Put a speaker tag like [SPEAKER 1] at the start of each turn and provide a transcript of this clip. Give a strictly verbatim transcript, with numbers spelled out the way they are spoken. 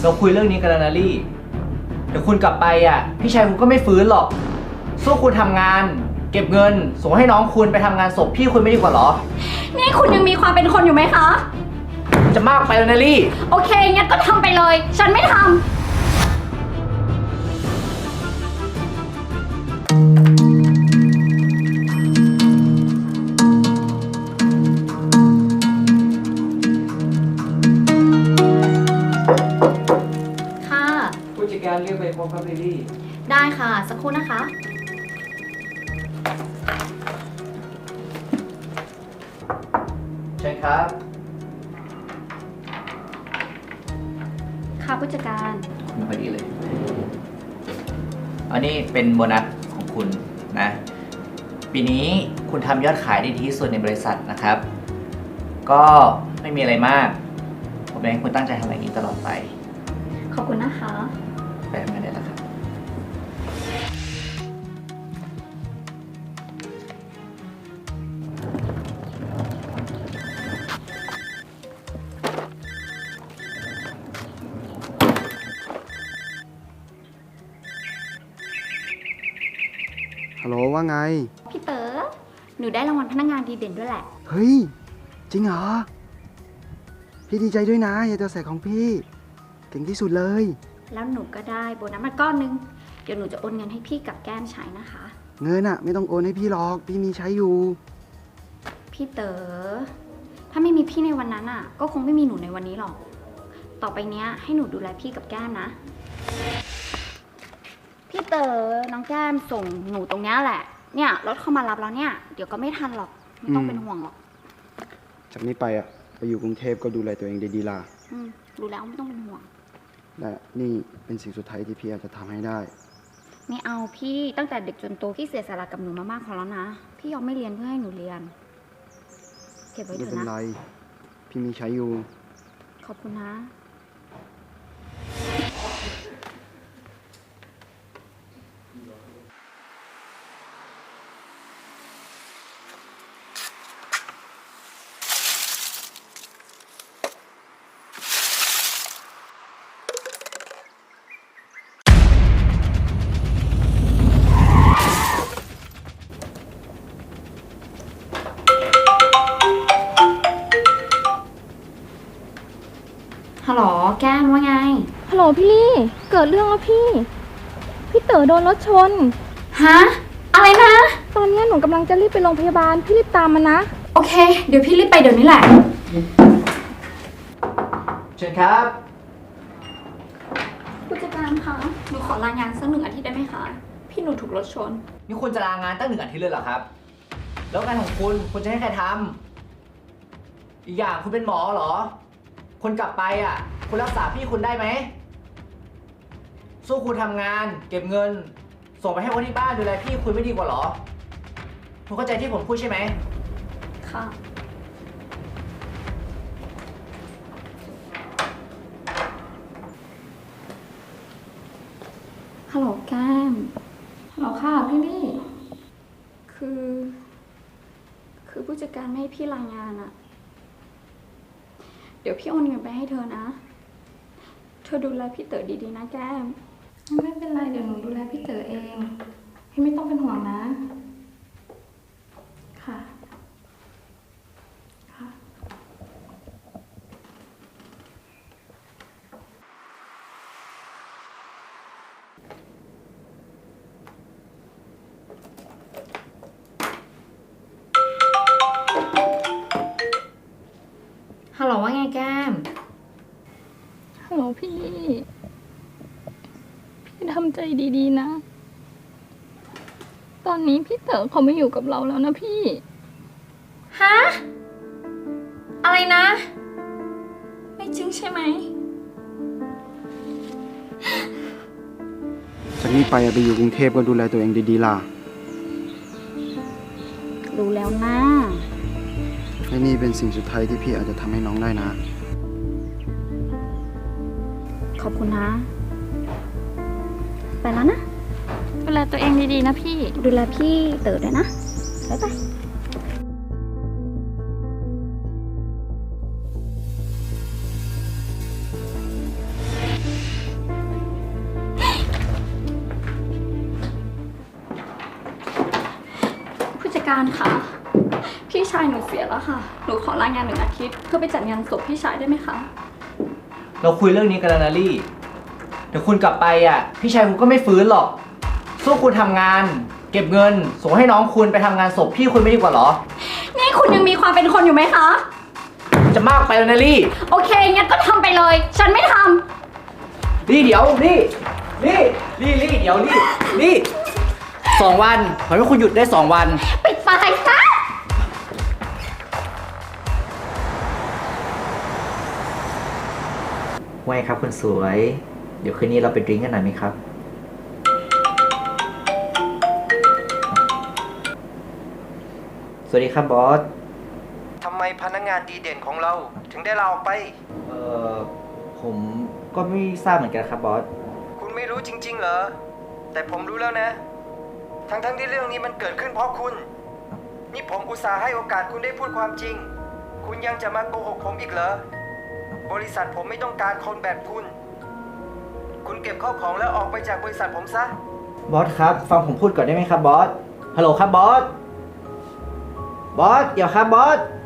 [SPEAKER 1] เราคุยเรื่องนี้กันแล้วนะลี่เดี๋ยวคุณกลับไปอ่ะพี่ชายคุณก็ไม่ฟื้นหรอกสู้คุณทำงานเก็บเงินส่งให้น้องคุณไปทำงานศพพี่คุณไม่ดีกว่าหรอ
[SPEAKER 2] นี่คุณยังมีความเป็นคนอยู่ไหมคะ
[SPEAKER 1] จะมากไปแล้วนะลี่
[SPEAKER 2] โอเคงั้นก็ทำไปเลยฉันไม่ทำค่ะ
[SPEAKER 1] ผู้จัดการเรียกไปพบกับลิลี่
[SPEAKER 2] ได้ค่ะสักครู่นะคะ
[SPEAKER 1] เชิญครับ
[SPEAKER 2] ค่ะผู้จัดการ
[SPEAKER 1] ไม่ค่อยดีเลยอันนี้เป็นโบนัสของคุณนะปีนี้คุณทำยอดขายได้ดีที่สุดในบริษัทนะครับก็ไม่มีอะไรมากผมอยากให้คุณตั้งใจทำอย่างนี้ตลอดไป
[SPEAKER 2] ขอบคุณนะคะ
[SPEAKER 1] ไปทำงานได้แล้วครับ
[SPEAKER 3] ฮัลโหลว่าไง
[SPEAKER 2] พี่เต๋อหนูได้รางวัลพนักงานดีเด่นด้วยแหละ
[SPEAKER 3] เฮ้ยจริงเหรอพี่ดีใจด้วยนะยายตัวแสบของพี่เก่งที่สุดเลย
[SPEAKER 2] แล้วหนูก็ได้โบนัสมาก้อนนึงเดี๋ยวหนูจะโอนเงินให้พี่กับแก้มใช้นะคะ
[SPEAKER 3] เงินอะไม่ต้องโอนให้พี่หรอกพี่มีใช้อยู่
[SPEAKER 2] พี่เต๋อถ้าไม่มีพี่ในวันนั้นอะก็คงไม่มีหนูในวันนี้หรอกต่อไปเนี้ยให้หนูดูแลพี่กับแก้มนะพี่เต๋อน้องแก้มส่งหนูตรงนี้แหละเนี่ยรถเข้ามารับแล้วเนี่ยเดี๋ยวก็ไม่ทันหรอกไม่ต้องเป็นห่วงหรอก
[SPEAKER 3] จากนี้ไปอะไปอยู่กรุงเทพก็ดูแลตัวเองดีๆล่ะ
[SPEAKER 2] อืมรู้แล้วไม่ต้องเป็นห่วง
[SPEAKER 3] และนี่เป็นสิ่งสุดท้ายที่พี่อาจจะทำให้ได้
[SPEAKER 2] ไม่เอาพี่ตั้งแต่เด็กจนโตพี่เสียสละกับหนูมามากพอแล้วนะพี่ยอมไม่เรียนเพื่อให้หนูเรียนเก็บไว้เถอะนะ
[SPEAKER 3] ไม่เป็นไรพี่มีใช้อยู่
[SPEAKER 2] ขอบคุณนะฮัลโหลแก้มว่าไง
[SPEAKER 4] ฮัลโหลพี่ลี่เกิดเรื่องแล้วพี่พี่เต๋อโดนรถชน
[SPEAKER 2] ฮะอะไรนะ
[SPEAKER 4] ตอนนี้หนูกำลังจะรีบไปโรงพยาบาลพี่รีบตามมานะ
[SPEAKER 2] โอเคเดี๋ยวพี่รีบไปเดี๋ยวนี้แหละ
[SPEAKER 1] เชิญครับ
[SPEAKER 2] ผู้จัดการคะหนูขอลางานสักหนึ่งอาทิตย์ได้ไหมคะพี่หนูถูกรถชน
[SPEAKER 1] นี่คุณจะลางานตั้งหนึ่งอาทิตย์เลยเหรอครับแล้วงานของคุณคุณจะให้ใครทำอีกอย่างคุณเป็นหมอเหรอคนกลับไปอ่ะคุณรักษาพี่คุณได้ไหมสู้คุณทำงานเก็บเงินส่งไปให้คนที่บ้านดูแลพี่คุณไม่ดีกว่าหรอคุณเข้าใจที่ผมพูดใช่ไหม
[SPEAKER 2] ค่ะฮัลโหลแก้มฮัลโหลค่ะพี่ลี่คือคือผู้จัดการไม่ให้พี่รายงานอะเดี๋ยวพี่โอนเงินไปให้เธอนะเธอดูแลพี่เต๋อดีๆนะแก้ม
[SPEAKER 4] ไม่เป็นไรเดี๋ยวหนูดูแลพี่เต๋อเองพี่ไม่ต้องเป็นห่วงนะค่ะค่ะ
[SPEAKER 2] ฮัลโหลว่าไงแก้ม
[SPEAKER 4] ฮัลโหลพี่ลี่พี่ทำใจดีๆนะตอนนี้พี่เต๋อเขาไม่อยู่กับเราแล้วนะพี่
[SPEAKER 2] ฮะอะไรนะไม่จริงใช่ไหม
[SPEAKER 3] จากนี้ไปไปอยู่กรุงเทพก็ดูแลตัวเองดีๆล่ะ
[SPEAKER 2] รู้แล้วนะ
[SPEAKER 3] และนี่เป็นสิ่งสุดท้ายที่พี่อาจจะทำให้น้องได้นะ
[SPEAKER 2] ขอบคุณนะไปแล้วนะ
[SPEAKER 4] ดูแลตัวเองดีๆนะพี่
[SPEAKER 2] ดูแลพี่เต๋อด้วยนะบ๊ายบายการคะพี่ชายหนูเสียแล้วค่ะ หนูขอลางานหนึ่งอาทิตย์เพื่อไปจัดงานศพพี่ชายได้ไหมคะ
[SPEAKER 1] เราคุยเรื่องนี้กันแล้วนะลี่ เดี๋ยวคุณกลับไปอ่ะ พี่ชายคุณก็ไม่ฟื้นหรอก สู้คุณทำงาน เก็บเงิน ส่งให้น้องคุณไปทำงานศพพี่คุณไม่ดีกว่าเหรอ
[SPEAKER 2] นี่คุณยังมีความเป็นคนอยู่ไหมคะ
[SPEAKER 1] จะมากไปแล้วนะลี่
[SPEAKER 2] โอเค งั้นก็ทำไปเลย ฉันไม่ท
[SPEAKER 1] ลี่เดี๋ยวลี่ลี่ลี่ลี่เดี๋ยวลี่ลี่สองวันขอให้คุณหยุดได้สองวัน
[SPEAKER 2] ำปิดไฟซะ
[SPEAKER 1] ไว้ครับคุณสวย เดี๋ยวคืนนี้เราไปดริ้งกันหน่อยไหมครับ สวัสดีครับบอส
[SPEAKER 3] ทำไมพนักงานดีเด่นของเราถึงได้ลาออกไป
[SPEAKER 1] เอ่อ ผมก็ไม่ทราบเหมือนกันครับบอส
[SPEAKER 3] คุณไม่รู้จริงๆเหรอ แต่ผมรู้แล้วนะ ทั้งๆที่เรื่องนี้มันเกิดขึ้นเพราะคุณ นี่ผมอุตส่าห์ให้โอกาสคุณได้พูดความจริง คุณยังจะมาโกหกผมอีกเหรอ บริษัทผมไม่ต้องการคนแบบคุณ คุณเก็บข้าวของแล้วออกไปจากบริษัทผมซะ
[SPEAKER 1] บอสครับ ฟังผมพูดก่อนได้ไหมครับบอส ฮัลโหลครับบอส บอส เดี๋ยวครับบอส